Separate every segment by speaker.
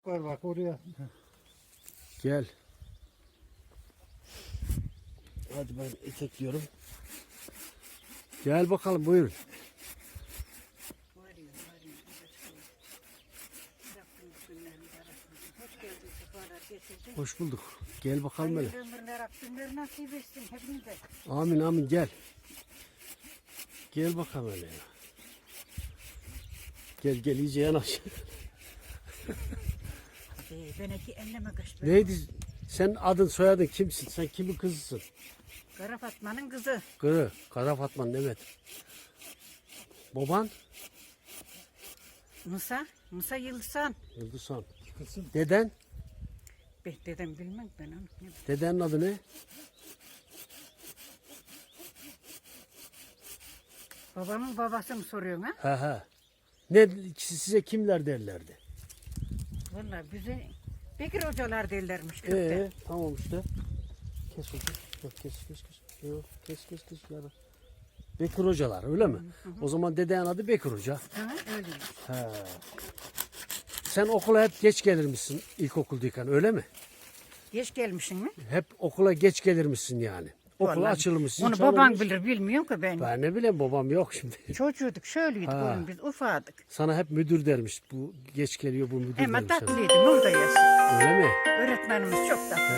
Speaker 1: var bak oraya.
Speaker 2: Gel. Hadi ben etekliyorum. Gel bakalım buyurun. Hoş bulduk. Gel bakalım hele. Amin amin gel. Gel bakalım hele ya. Gel iyice yanaş. Neydi? Sen adın soyadın kimsin? Sen kimin kızısın?
Speaker 3: Kara Fatma'nın kızı.
Speaker 2: Kara Fatma'nın evet. Baban?
Speaker 3: Musa Yıldızhan.
Speaker 2: Yıldızhan. Deden?
Speaker 3: Dedem bilmem ben onu.
Speaker 2: Dedenin adı ne?
Speaker 3: Babamın babası mı soruyorsun ha?
Speaker 2: Ha. Ne size kimler derlerdi?
Speaker 3: Vallahi bize Bekir hocalar derlermiş kökte.
Speaker 2: Tamam işte. Kes hocam. Yok kes. Yok kes yarın. Bekir hocalar öyle mi? O zaman dedenin adı Bekir Hoca.
Speaker 3: Ha, öyleymiş.
Speaker 2: He. Sen okula hep geç gelirmişsin ilkokuldayken öyle mi?
Speaker 3: Geç gelmişsin mi?
Speaker 2: Hep okula geç gelirmişsin yani. Okul
Speaker 3: Vallahi
Speaker 2: açılmışsın.
Speaker 3: onu baban bilir bilmiyorum ki ben.
Speaker 2: Ben ne bileyim babam yok şimdi.
Speaker 3: Çocuğuduk şöyleydik oğlum biz ufadık.
Speaker 2: Sana hep müdür dermiş. Bu geç geliyor bu müdür
Speaker 3: Ama
Speaker 2: dermiş. sana.
Speaker 3: tatlıydı Nurda yazsın.
Speaker 2: Öyle mi?
Speaker 3: Öğretmenimiz çok tatlı.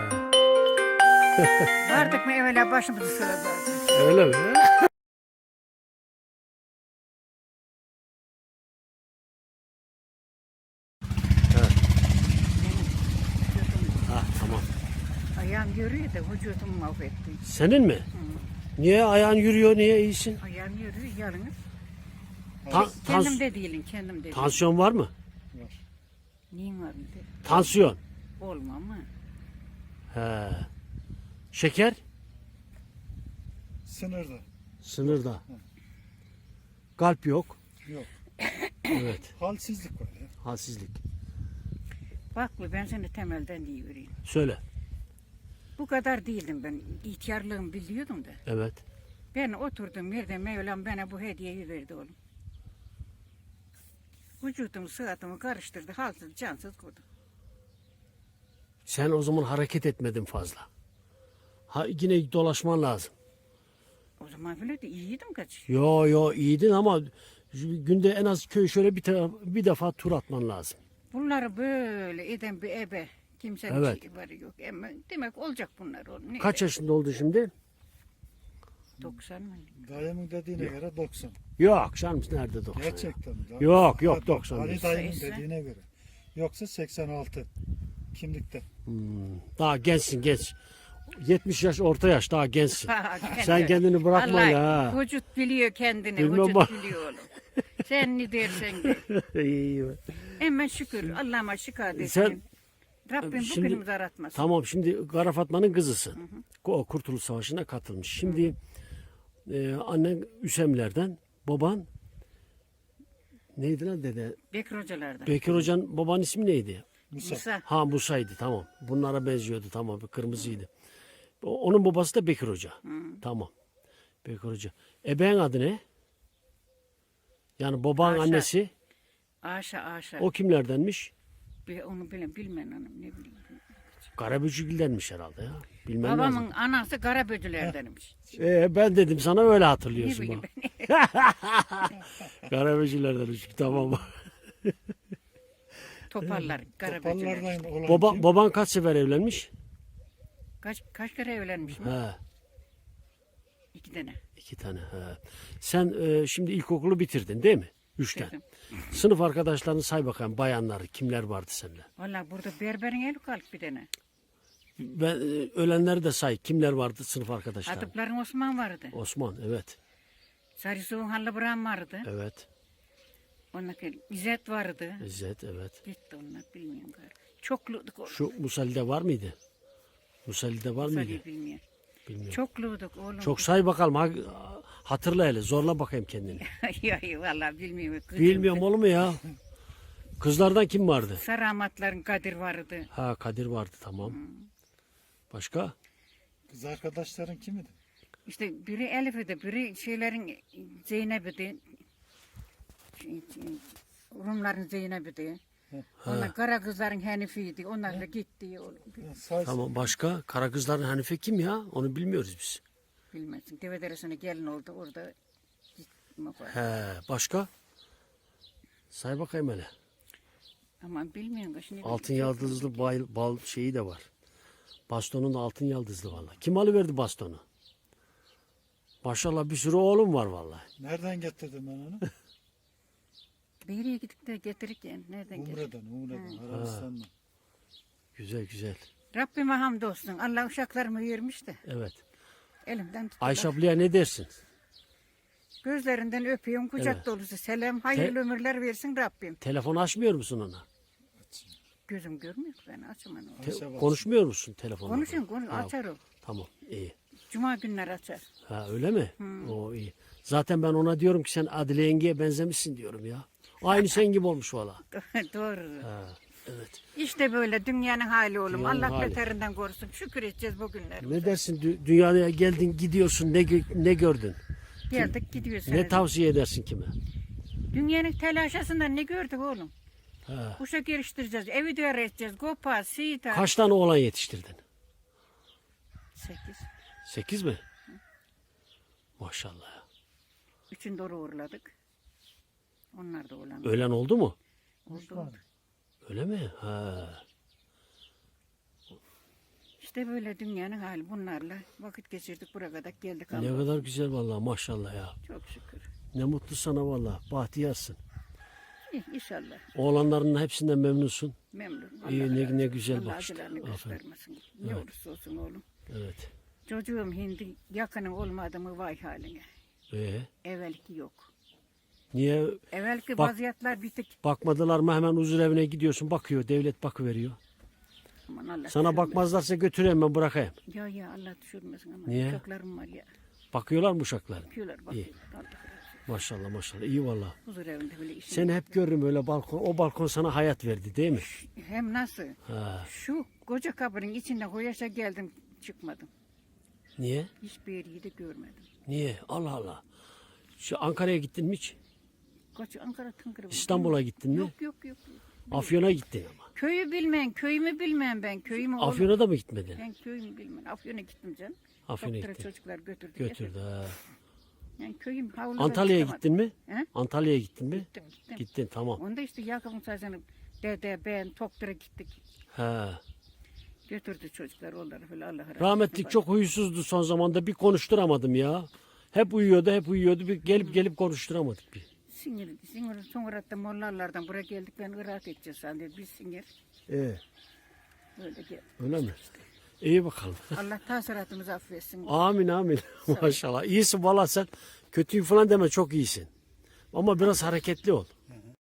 Speaker 2: He.
Speaker 3: Vardık mı evvela başımızı sıralardı.
Speaker 2: Öyle mi? Tamam.
Speaker 3: Ayağım yürüyor da vücudumu mahvetti.
Speaker 2: Senin mi? Niye ayağın yürüyor? Niye iyisin?
Speaker 3: Ayağım yürüyor yalnız.
Speaker 2: Tans-
Speaker 3: Kendim de değilim.
Speaker 2: tansiyon var mı?
Speaker 3: Neyin var mı?
Speaker 2: Tansiyon.
Speaker 3: Olmam mı?
Speaker 2: He. Şeker?
Speaker 1: Sınırda.
Speaker 2: Sınırda. Kalp yok.
Speaker 1: Yok.
Speaker 2: Evet.
Speaker 1: Halsizlik var ya.
Speaker 2: Halsizlik.
Speaker 3: Bak ben seni temelden iyi vereyim.
Speaker 2: Söyle.
Speaker 3: Bu kadar değildim ben. İhtiyarlığımı biliyordum da.
Speaker 2: Evet.
Speaker 3: Ben oturdum yerde Mevlam bana bu hediyeyi verdi oğlum. Vücudumu sıhhatımı karıştırdı. Halsız cansız kurdu.
Speaker 2: Sen o zaman hareket etmedin fazla. Yine dolaşman lazım.
Speaker 3: O zaman bile de iyiydim kaç.
Speaker 2: Yo iyiydin ama günde en az köy şöyle bir defa tur atman lazım.
Speaker 3: Bunları böyle eden bir ebe. Kimsenin
Speaker 2: Evet.
Speaker 3: şeyi var yok. Ama demek olacak bunlar oğlum.
Speaker 2: Kaç yaşında oldu şimdi?
Speaker 3: 90 mı?
Speaker 1: Dayımın dediğine göre 90.
Speaker 2: Yok canım nerede 90? ya?
Speaker 1: Gerçekten.
Speaker 2: Yok, 90
Speaker 1: Ali
Speaker 2: değil.
Speaker 1: dayımın
Speaker 3: Sayısı?
Speaker 1: dediğine göre. Yoksa 86. Kimlikte.
Speaker 2: Daha gençsin genç. 70 yaş orta yaş daha gençsin.
Speaker 3: Ha,
Speaker 2: Sen kendini bırakma
Speaker 3: Vallahi
Speaker 2: ya.
Speaker 3: vücut biliyor kendini.
Speaker 2: Bilmem
Speaker 3: Vücut
Speaker 2: bak.
Speaker 3: biliyor oğlum. Sen ne dersen de.
Speaker 2: İyi.
Speaker 3: Hemen şükür. Allah'ıma şükür
Speaker 2: Sen-
Speaker 3: desin. Rabbim
Speaker 2: Şimdi-
Speaker 3: bugünümüzü aratmasın.
Speaker 2: Tamam şimdi Kara Fatma'nın kızısın. O Kurtuluş Savaşı'na katılmış. Şimdi annen Üsemler'den, baban neydi lan dede?
Speaker 3: Bekir hocalardan.
Speaker 2: Bekir Hoca'nın babanın ismi neydi?
Speaker 3: Musa.
Speaker 2: Ha Musa'ydı tamam. Bunlara benziyordu tamam kırmızıydı. Onun babası da Bekir Hoca. Tamam. Bekir Hoca. Ebeğin adı ne? Yani babanın
Speaker 3: Aşa.
Speaker 2: annesi.
Speaker 3: Aşa.
Speaker 2: O kimlerdenmiş?
Speaker 3: Onu bilmem hanım ne bileyim.
Speaker 2: Karabücügil'denmiş herhalde ya. Bilmem
Speaker 3: Babamın
Speaker 2: lazım.
Speaker 3: anası Karaböcülerdenmiş.
Speaker 2: Ben dedim sana öyle
Speaker 3: Ne
Speaker 2: hatırlıyorsun
Speaker 3: bileyim
Speaker 2: bak.
Speaker 3: ben.
Speaker 2: Karabücülerdenmiş tamam.
Speaker 3: Toparlar Karaböcüler.
Speaker 1: Topallardan olan kim?
Speaker 2: Baban kaç sefer evlenmiş?
Speaker 3: Kaç kere evlenmiş mi?
Speaker 2: He,
Speaker 3: 2 tane.
Speaker 2: 2 tane. He. Sen şimdi ilkokulu bitirdin değil mi? 3'ten.
Speaker 3: Bitirdim.
Speaker 2: Sınıf arkadaşlarını say bakalım bayanlar kimler vardı seninle?
Speaker 3: Valla burada berberin evi kalk bir tane.
Speaker 2: Ben ölenleri de say. Kimler vardı sınıf arkadaşlar?
Speaker 3: Adıpların Osman vardı.
Speaker 2: Osman evet.
Speaker 3: Sarısuğun Hallıbıran vardı.
Speaker 2: Evet.
Speaker 3: Ondan sonra İzzet vardı.
Speaker 2: İzzet evet.
Speaker 3: Gitti onlar bilmiyorum galiba. Çokluyduk oğlum.
Speaker 2: Şu Musalli'de var mıydı? Musalli'de var mıydı?
Speaker 3: Sarıyı bilmiyorum.
Speaker 2: Bilmiyorum.
Speaker 3: Çokluyduk oğlum.
Speaker 2: Çok say bakalım. Hatırla hele. Zorla bakayım kendini.
Speaker 3: Yok valla bilmiyorum. Kızım.
Speaker 2: Bilmiyorum olur mu ya? Kızlardan kim vardı?
Speaker 3: Saramatların Kadir vardı.
Speaker 2: Ha Kadir vardı tamam. Başka?
Speaker 1: Kız arkadaşların kimidi?
Speaker 3: İşte biri Elif'idi, biri şeylerin Zeynep'idi. Rumların Zeynep'idi. Onlar kara kızların Hanife'ydi. Onlar da gitti.
Speaker 1: Say,
Speaker 2: Tamam, başka? Karagözlerin Hanife kim ya? Onu bilmiyoruz biz.
Speaker 3: Bilmezsin. Devederesine gelin oldu. Orada gitme var.
Speaker 2: He, başka? Say bakayım hele.
Speaker 3: Aman bilmiyorum. Şimdi
Speaker 2: Altın yıldızlı bal şeyi de var. Bastonun da altın yıldızlı vallahi. Kim alıverdi bastonu? Maşallah bir sürü oğlum var vallahi.
Speaker 1: nereden getirdin ben onu?
Speaker 3: Bir yere gidip de getirirken nereden getirdik?
Speaker 1: Umre'den, Arabistan'dan.
Speaker 2: Güzel güzel.
Speaker 3: Rabbime hamdolsun. Allah uşaklarımı vermiş de.
Speaker 2: Evet.
Speaker 3: Elimden tuttular.
Speaker 2: Ayşe ablaya ne dersin?
Speaker 3: Gözlerinden öpüyorum. Kucak
Speaker 2: Evet.
Speaker 3: dolusu selam. Hayırlı ömürler versin Rabbim.
Speaker 2: Telefon açmıyor musun ona?
Speaker 3: Gözüm görmüyor ki ben açamam onu.
Speaker 1: Ayşe bak.
Speaker 2: Konuşmuyor musun telefonla?
Speaker 3: Konuşun konuş.
Speaker 2: Ha,
Speaker 3: Açar o.
Speaker 2: Tamam, iyi.
Speaker 3: Cuma günleri açar.
Speaker 2: Ha, öyle mi? O iyi. Zaten ben ona diyorum ki sen Adile yengeye benzemişsin diyorum ya. Aynı sen gibi olmuş valla.
Speaker 3: Doğru.
Speaker 2: Ha, evet.
Speaker 3: İşte böyle dünyanın hali oğlum.
Speaker 2: Dünyanın
Speaker 3: Allah
Speaker 2: hali.
Speaker 3: beterinden korusun. Şükür edeceğiz bugünlere.
Speaker 2: Ne dersin dünyaya geldin gidiyorsun ne gördün?
Speaker 3: Geldik gidiyoruz.
Speaker 2: Ne tavsiye edersin kime?
Speaker 3: Dünyanın telaşasından ne gördük oğlum?
Speaker 2: Ha.
Speaker 3: Kuşa geliştireceğiz. Evi de öğreteceğiz. Gopa, sita.
Speaker 2: Kaç tane oğlan yetiştirdin?
Speaker 3: 8.
Speaker 2: 8 mi? Maşallah.
Speaker 3: Üçün doğru uğurladık. Onlar da olan.
Speaker 2: Ölen oldu mu?
Speaker 3: Oldu.
Speaker 2: Öyle mi? Ha.
Speaker 3: İşte böyle dünyanın hali bunlarla. Vakit geçirdik buraya kadar geldik.
Speaker 2: Ne
Speaker 3: Allah'a.
Speaker 2: kadar güzel vallahi maşallah ya.
Speaker 3: Çok şükür.
Speaker 2: Ne mutlu sana vallahi. Bahtiyarsın.
Speaker 3: İnşallah.
Speaker 2: Oğlanlarının hepsinden memnunsun.
Speaker 3: Memnun.
Speaker 2: İyi,
Speaker 3: Allah
Speaker 2: ne-
Speaker 3: razı
Speaker 2: ne
Speaker 3: olsun.
Speaker 2: güzel
Speaker 3: Allah
Speaker 2: bakıştı.
Speaker 3: acılarını
Speaker 2: Aferin.
Speaker 3: göstermesin. Ne
Speaker 2: Evet.
Speaker 3: olursa olsun oğlum.
Speaker 2: Evet.
Speaker 3: Çocuğum hindi yakının olmadı mı vay haline. Evvelki yok.
Speaker 2: Niye
Speaker 3: Evvelki
Speaker 2: Bak-
Speaker 3: vaziyetler bitik.
Speaker 2: bakmadılar mı hemen huzur evine gidiyorsun bakıyor devlet bakıveriyor.
Speaker 3: Aman Allah
Speaker 2: Sana
Speaker 3: düşürmesin.
Speaker 2: bakmazlarsa götüreyim ben bırakayım.
Speaker 3: Ya Allah düşürmesin ama.
Speaker 2: Niye?
Speaker 3: Çocuklarım var ya.
Speaker 2: Bakıyorlar mı uşaklar?
Speaker 3: Yapıyorlar bak.
Speaker 2: İyi.
Speaker 3: Allah razı olsun.
Speaker 2: Maşallah maşallah iyi valla.
Speaker 3: Huzur evinde böyle işim.
Speaker 2: Seni hep görürüm öyle balkon. O balkon sana hayat verdi değil mi?
Speaker 3: Hem nasıl?
Speaker 2: Ha.
Speaker 3: Şu koca kabrin içinde koyaşa geldim çıkmadım.
Speaker 2: Niye?
Speaker 3: Hiçbir yeri de görmedim.
Speaker 2: Niye? Allah Allah. Şu Ankara'ya gittin mi hiç?
Speaker 3: Koç Ankara tıngırı.
Speaker 2: İstanbul'a gittin mi?
Speaker 3: Yok.
Speaker 2: Afyon'a gittin ama.
Speaker 3: Köyü bilmeyen, köyümü bilmeyen ben. Köyümü
Speaker 2: Afyon'a da mı gitmedin?
Speaker 3: Ben köyümü bilmem. Afyon'a gittim canım.
Speaker 2: Afyon'a
Speaker 3: Doktora
Speaker 2: gittin.
Speaker 3: çocuklar götürdü.
Speaker 2: Götürdü ha.
Speaker 3: Yani köyüm havluda
Speaker 2: Antalya'ya
Speaker 3: çıkamadım.
Speaker 2: gittin mi?
Speaker 3: He?
Speaker 2: Antalya'ya gittin mi?
Speaker 3: Gittim.
Speaker 2: Gittin tamam.
Speaker 3: Onda işte Yakup'un sazını dede ben doktora gittik.
Speaker 2: Ha.
Speaker 3: Götürdü çocuklar onları falan Allah razı olsun.
Speaker 2: Rahmetlik çok huysuzdu son zamanda. Bir konuşturamadım ya. Hep uyuyordu. Bir gelip konuşturamadık bir.
Speaker 3: Sinir sonra da mollalardan buraya geldik ben Irak edeceğiz sandım. Biz sinir böyle geldik.
Speaker 2: Öyle mi? İyi bakalım.
Speaker 3: Allah tasiratımızı affetsin.
Speaker 2: Amin. Maşallah. İyisin valla sen. Kötüyüm falan deme çok iyisin. Ama biraz hareketli ol.